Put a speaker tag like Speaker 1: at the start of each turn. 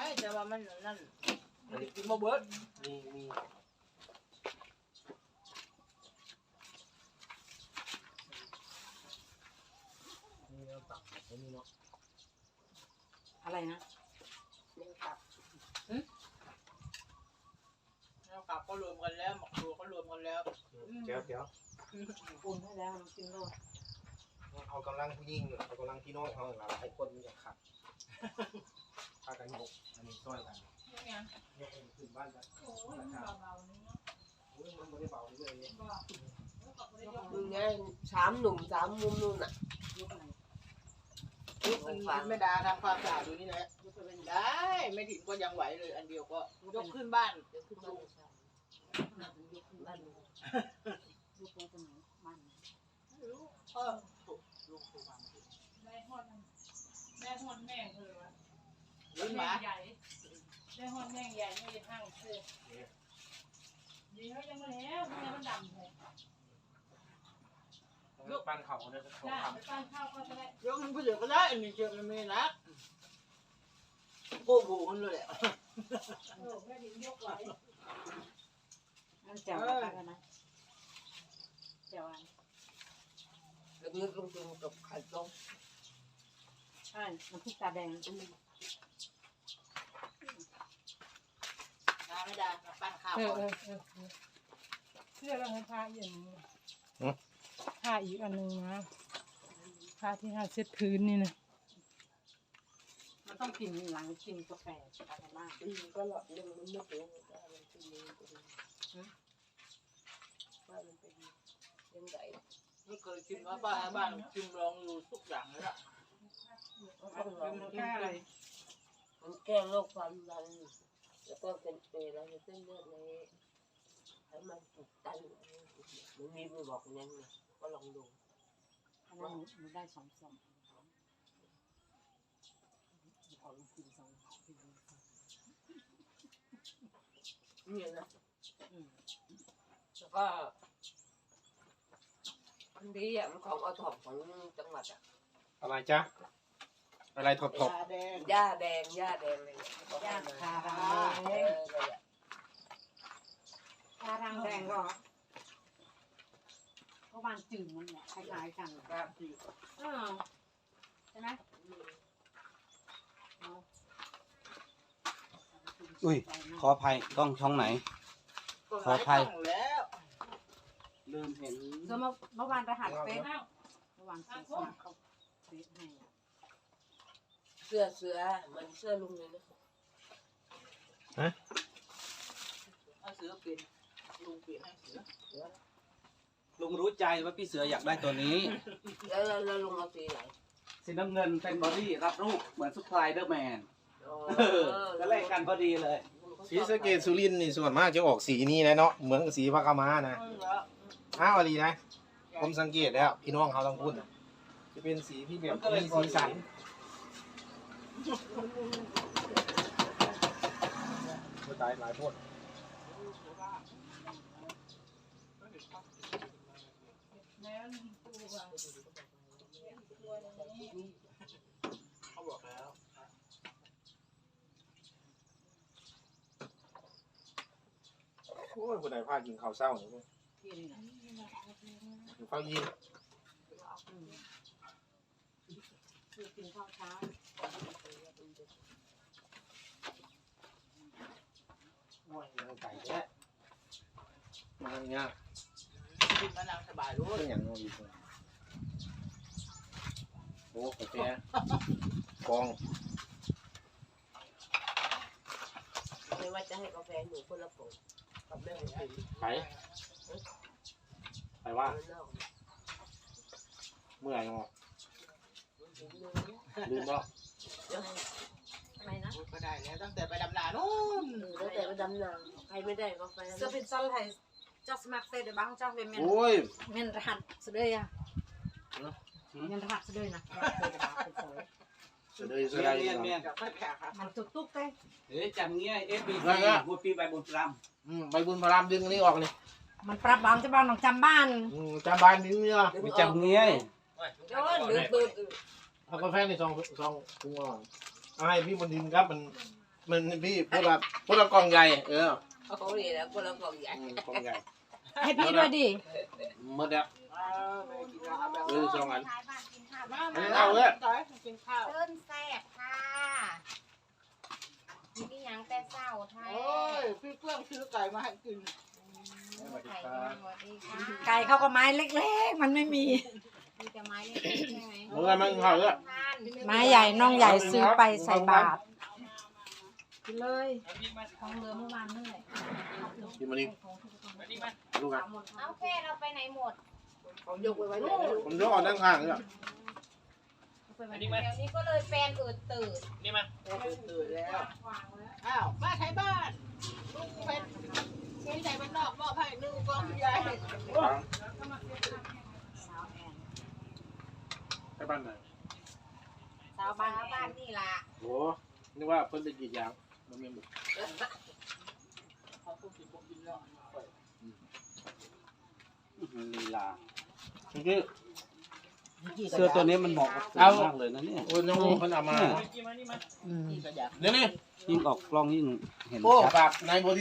Speaker 1: แต่ว่ามันนั่นกินบ่เบิด
Speaker 2: มีเราตับไม่มีเนาะ
Speaker 3: อะไรนะ
Speaker 1: แล้วกลับก็รวมกันแล้วหมักตัวก็รวมกันแล้ว
Speaker 2: เดี๋ยว
Speaker 3: อุ่นให้แล้วน้ำกินโลด
Speaker 2: เอากำลังผู้หญิงเอากำลังพี่น้องเขาหลายคนมันจะขัดพากันยกอันนี้ช่วยกันยกขึ้นบ้านกันโอ้ยมันเบาๆนี่เนาะโอ้ยมันไม่ได้เบาเลย
Speaker 4: มึงไง3 หนุ่ม3 มุมนู่นน่ะ
Speaker 1: มันไม่ด่าทำความสะอาดอยู่นี่แหละได้ไม่ถึงก็ยังไหวเลยอันเดียวก็ยกขึ้นบ้าน
Speaker 4: ยกขึ้นบ้านยกขึ้นบ้านยกไปตรงไหนบ้าน
Speaker 1: ไม่รู้ลุงตัวมัน
Speaker 5: แม่ฮอนแม่งเลยวะ
Speaker 1: ลิ้นหมา
Speaker 5: ใหญ่แม่ฮอนแม่งใหญ่ไม่ได้ทั้งเสื้อเดี๋ยวยังมาแล้วทำไมมันดำเลย
Speaker 2: ยกบ้านเขาเนี่ยเขา
Speaker 5: จ้า
Speaker 2: ทำ
Speaker 5: ไปปั้นข้าวก็จะได้
Speaker 1: ยกมันผู้เดียวก็ได้อันนี้เชื่อมันไม่นักโก้โหมันเลยอ่ะ
Speaker 5: แม่ดินยกไว้
Speaker 3: อันแจ่วอะไรนะแจ่วอัน
Speaker 4: แล้วนึกลงทุนกับไข่ต้ม
Speaker 3: ใช่น้ำพริกตาแดง
Speaker 1: น้ำไม่ได้ปั้นข้าวก่อน
Speaker 5: เสื้อเราให้ผ้าอย่างนี้ผ้าอีกอันนึงนะผ้าที่ผ้าเช็ดพื้นนี่นะ
Speaker 3: มันต้องกินหลังกินกาแฟอะไรบ้าง
Speaker 4: ก็หลอดนึงมันไม่เปรี้ยวแต่มันเป็นว่ามันเป็นยังไง
Speaker 1: ไม่เคยกินว่าป้าบ้านกินลองอยู่ทุกอย่างเลยอ่ะ
Speaker 4: มันแก้โรคความดันแล้วก็เป็นอะไรเส้นเลือดในไขมันอุดตันมันมีมือบอกอย่างนี้ก็ลองดู
Speaker 3: อันนั้นหนูได้2 ขอลองกิน2
Speaker 4: นี่นะแล้วก็อันนี้มันของเอาถอบของจังหวัดอ่ะ
Speaker 2: อะไรจ๊ะอะไรถบ
Speaker 1: หญ้าแดง
Speaker 4: หญ้าแดงอะไร
Speaker 3: หญ้าคารังแดงคารังแดงก็เพราะมันจืดมันเนี่ยคล้ายๆกัน
Speaker 1: แบบจืด
Speaker 3: ใช่ไหม
Speaker 6: อุ้ยขออภัยกล้องช่องไหนขออภัย
Speaker 1: แล้ว
Speaker 6: ลืมเห็น
Speaker 3: เมื่อวานรหัสเฟซเมื่อวานเฟซเขาเฟซให้
Speaker 4: เสื้อมันเสื้อลุงเลยนะ
Speaker 1: เอาเสือเปลี่ยนลุงเปลี่ยนให้เสือ
Speaker 6: ลุงรู้ใจว่าพี่เสืออยากได้ตัวนี้
Speaker 4: แล้วลุงเอาสีไหน
Speaker 6: สีน้ำเงินเป็นบอดี้รับรูปเหมือนซุปไพรเดอร์แมนก็แลกกันพอดีเลย
Speaker 2: สีสะเกษสุรินทร์นี่ส่วนมากจะออกสีนี้นะเนาะเหมือนกับสีพระกามานะอ้าวอะไรนะผมสังเกตแล้วพี่น้องเขาต้องพูดจะเป็นสีที่แบบมีสีสันตายหลายพวก
Speaker 1: เขาบอกแล้ว
Speaker 2: โอ้ยคนไหนพากินข้าวเศร้าเนี่ยข้าวยิน
Speaker 3: กินข้าวเช้า
Speaker 2: ไก่แค่มาเนี่ย
Speaker 1: กินมะนาวสบายรู้
Speaker 2: เป็นอย่างนี้โอ้กาแฟกอง
Speaker 4: ไม่ว่าจะให้กาแฟหนูคนละผงกับแม่ของพี่
Speaker 2: ไปว่าเมื่อไหร่งอลืมบ่
Speaker 3: อะไรนะ
Speaker 1: ก็ได้แล้วตั้งแต่ไปดำนานู่น
Speaker 4: ตั้งแต่ไปดำนาใครไม่ได้กาแฟ
Speaker 3: จะเป็นซัลไทยจะสมัครเซเดบังจ้าเป็นเมนรหัสสุดเลยอ่ะเมนรหัสสุดเลยนะมันตุ๊กตุ๊กเลย
Speaker 6: จำเงี้ยFBC หัวปีใบบุญพร
Speaker 2: ำใบบุญพรำดึงอันนี้ออกเลย
Speaker 3: มันปรับบางจะบ้านของจำบ้าน
Speaker 2: จำบ้านดึงเนี่ย
Speaker 6: มีจำเงี้ย
Speaker 2: เอากาแฟในซองปรุงอ่อนให้พี่บนดินครับมันมันพี่พูดละกล่องใหญ่
Speaker 4: โอ้ยแล้วคนละกล่องใหญ่
Speaker 2: กล่องใหญ่
Speaker 3: ให้พี่ด้วยดิ
Speaker 2: หมดแล้ว
Speaker 1: ไม่กินแล้วเอาแบบ
Speaker 2: สองอัน
Speaker 1: มา
Speaker 2: อันนี้เอาเลย
Speaker 1: ต่อยกินข้าว
Speaker 7: เดินแซ่บค่ะมีหยังแต่เศร้าไทย
Speaker 1: โอ้ยพี่เพื่อนซื้อไก่มาให้กิน
Speaker 7: ไข่ยังสวัสดีค่ะ
Speaker 3: ไก่เขาก็ไม้เล็กๆ มันไม่มี
Speaker 7: มีแต่ไม้เล็กๆใช่ไหม
Speaker 2: เมื่อมันเข้าเลย
Speaker 7: ทาน
Speaker 3: ไม้ใหญ่น้องใหญ่ซื้อไปใส่บาตรกินเลยของเหลือเมื่อวานนั่นแหละ
Speaker 2: กินมาดิลูกอ่ะ
Speaker 7: เอาแค่เราไปไหนหมด
Speaker 1: ของยกไว้ไว้เลย
Speaker 2: ผมยกออกด้านข้างเลย
Speaker 7: เดี๋ยวนี้ก็เลยแฟนอืดตื่น
Speaker 1: ตื่นแล้วอ้าวมาไทยบ้านลุงเป็นเช้นใจบ้านนอกมอบให้นึ่งกองใหญ่
Speaker 2: ไปบ้านไหน
Speaker 7: สาวบ้านนี่ล่ะ
Speaker 2: โอ้นึกว่าเพิ่นไปกี่อย่างมันมีหมด
Speaker 1: เขาพูดถึงผมกินแล้ว
Speaker 6: ลีลา
Speaker 2: เมื่อกี้
Speaker 6: เสื้อตัวนี้มันเหมาะกับผมมากเลยนะเนี่ย
Speaker 2: โอ้ยน้องเพิ่นเอามา
Speaker 1: นี่ก็อยาก
Speaker 2: เดี๋ยวนี้
Speaker 6: ยิ่งออกกล้องยิ่งเห็น
Speaker 2: โอ้
Speaker 6: ชัด
Speaker 2: ฝากนายโพธิ